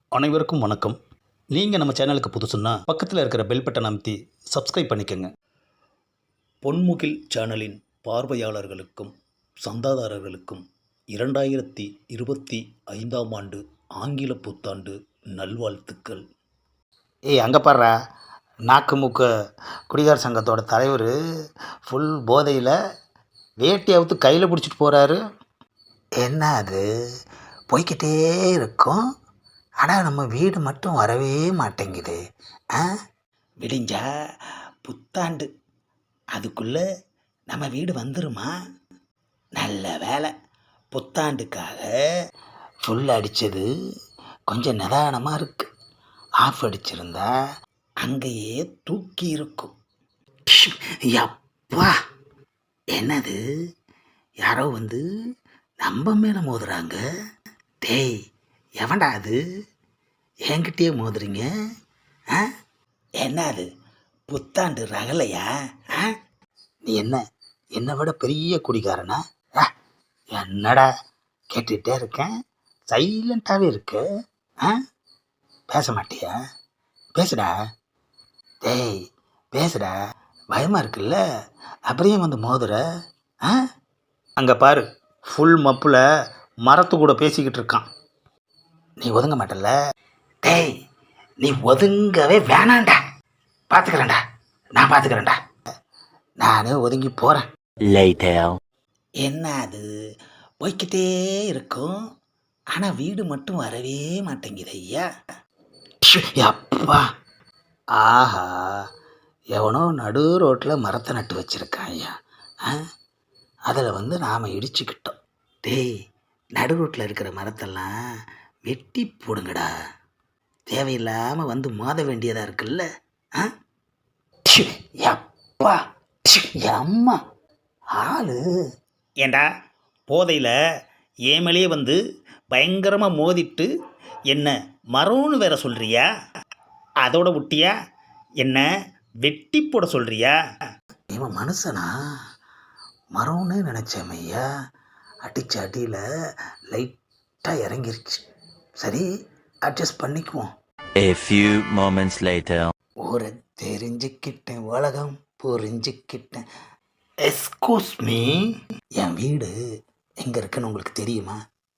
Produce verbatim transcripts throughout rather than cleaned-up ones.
அனைவருக்கும் வணக்கம். நீங்கள் நம்ம சேனலுக்கு புதுசுன்னா பக்கத்தில் இருக்கிற பெல் பட்டன் அமைத்தி சப்ஸ்கிரைப் பண்ணிக்கோங்க. பொன்முகில் சேனலின் பார்வையாளர்களுக்கும் சந்தாதாரர்களுக்கும் இரண்டாயிரத்தி இருபத்தி ஐந்தாம் ஆண்டு ஆங்கில புத்தாண்டு நல்வாழ்த்துக்கள். ஏய் அங்கே பாடுறா, நாக்கு மூக்க குடிகார சங்கத்தோட தலைவர் ஃபுல் போதையில் வேட்டி அவுத்து கையில் பிடிச்சிட்டு போகிறாரு. என்ன அது போய்கிட்டே இருக்கும், ஆனால் நம்ம வீடு மட்டும் வரவே மாட்டேங்குது. ஆ விடிஞ்சா புத்தாண்டு, அதுக்குள்ளே நம்ம வீடு வந்துருமா? நல்ல வேலை, புத்தாண்டுக்காக ஃபுல் அடித்தது கொஞ்சம் நிதானமாக இருக்குது. ஆஃப் அடிச்சிருந்தா அங்கேயே தூக்கி இருக்கும். யப்பா, என்னது யாரோ வந்து நம்ம மேலே மோதுறாங்க. டேய் எவன்டா அது, என்கிட்டயே மோதுறீங்க? ஆ என்ன அது புத்தாண்டு ரகலையா? ஆ நீ என்ன என்னை விட பெரிய குடிகாரனா? ஆ என்னடா கேட்டுகிட்டே இருக்கேன், சைலண்ட்டாகவே இருக்கு. ஆ பேச மாட்டியா? பேசுடா. டேய் பேசுடா, பயமாக இருக்குல்ல, அப்படியே வந்து மோதுற. ஆ அங்கே பாரு, ஃபுல் மப்பில் மரத்து கூட பேசிக்கிட்டு இருக்கான். நீ ஒதுங்க மாட்டல? டேய் நீ ஒதுங்கவே வேணாண்டா, பார்த்துக்கிறேன்டா, நான் பார்த்துக்கிறேன்டா, நானே ஒதுங்கி போகிறேன். என்ன அது போய்கிட்டே இருக்கும், ஆனால் வீடு மட்டும் வரவே மாட்டேங்குது ஐயா. அப்பா, ஆஹா, எவனோ நடு ரோட்டில் மரத்தை நட்டு வச்சுருக்கான் ஐயா. ஆ அதில் வந்து நாம் இடிச்சுக்கிட்டோம். டேய் நடு ரோட்டில் இருக்கிற மரத்தெல்லாம் வெட்டி போடுங்கடா, தேவையில்லாமல் வந்து மோத வேண்டியதாக இருக்குல்ல. ஆ அப்பா அம்மா ஆளு. ஏண்டா போதையில் ஏமலே வந்து பயங்கரமாக மோதிட்டு என்ன மரம்னு வேற சொல்கிறியா? அதோட விட்டியா என்ன வெட்டி போட சொல்கிறியா? இவன் மனுஷனா மரம்னு நினச்சேன் ஐயா. அடித்த அடியில் லைட்டாக இறங்கிருச்சு. சரி, அட்ஜஸ்ட் பண்ணிக்குவோம். A few moments later. ஊரை தெரிஞ்சுக்கிட்டேன், உலகம் புரிஞ்சுக்கிட்டேன். எஸ்கூஸ் மீ, என் வீடு எங்கே இருக்குன்னு உங்களுக்கு தெரியுமா?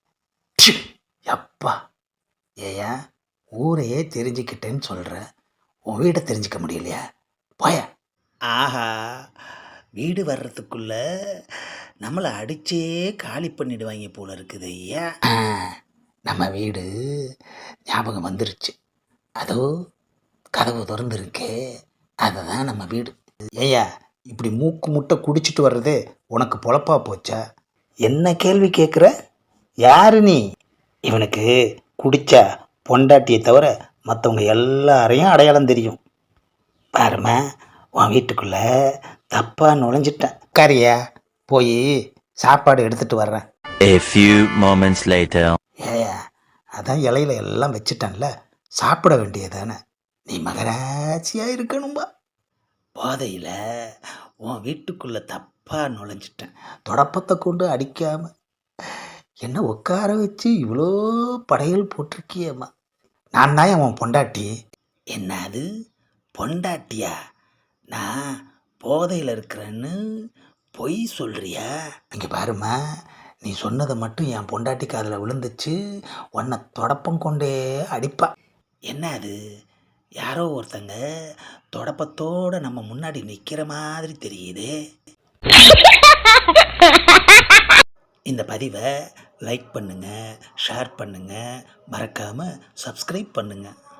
அப்பா, ஏயா ஊரையே தெரிஞ்சுக்கிட்டேன்னு சொல்கிற, உன் வீடை தெரிஞ்சுக்க முடியலையா? போய. ஆஹா, வீடு வர்றதுக்குள்ள நம்மளை அடிச்சே காலி பண்ணிடுவாங்க போல இருக்குது ஐயா. நம்ம வீடு ஞாபகம் வந்துருச்சு, அதோ கதவு திறந்துருக்கே, அதுதான் நம்ம வீடு. ஏயா இப்படி மூக்கு முட்டை குடிச்சிட்டு வர்றது உனக்கு பொழப்பா போச்சா? என்ன கேள்வி கேட்குற? யாரு நீ? இவனுக்கு குடிச்சா பொண்டாட்டியை தவிர மற்றவங்க எல்லாரையும் அடையாளம் தெரியும். பாருமா, உன் வீட்டுக்குள்ளே தப்பாக நுழைஞ்சிட்டேன். கரியா போய் சாப்பாடு எடுத்துகிட்டு வர்றேன். A few moments later. ஏயா அதான் இலையில எல்லாம் வச்சுட்டேன்ல, சாப்பிட வேண்டியதானே. நீ மகராட்சியாக இருக்கணும்பா. போதையில் உன் வீட்டுக்குள்ளே தப்பாக நுழைஞ்சிட்டேன். தொடப்பத்தை கொண்டு அடிக்காமல் என்ன உட்கார வச்சு இவ்வளோ படையல் போட்டிருக்கியம்மா. நான் தான் உன் பொண்டாட்டி. என்ன அது பொண்டாட்டியா? நான் போதையில் இருக்கிறேன்னு பொய் சொல்கிறியா? இங்கே பாருமா, நீ சொன்னதை மட்டும் என் பொண்டாட்டி காதில் விழுந்துச்சு, உன்னை தொடப்பம் கொண்டே அடிப்பா. என்ன அது யாரோ ஒருத்தங்க தொடப்பத்தோடு நம்ம முன்னாடி நிற்கிற மாதிரி தெரியுதே. இந்த பதிவை லைக் பண்ணுங்கள், ஷேர் பண்ணுங்கள், மறக்காமல் சப்ஸ்கிரைப் பண்ணுங்கள்.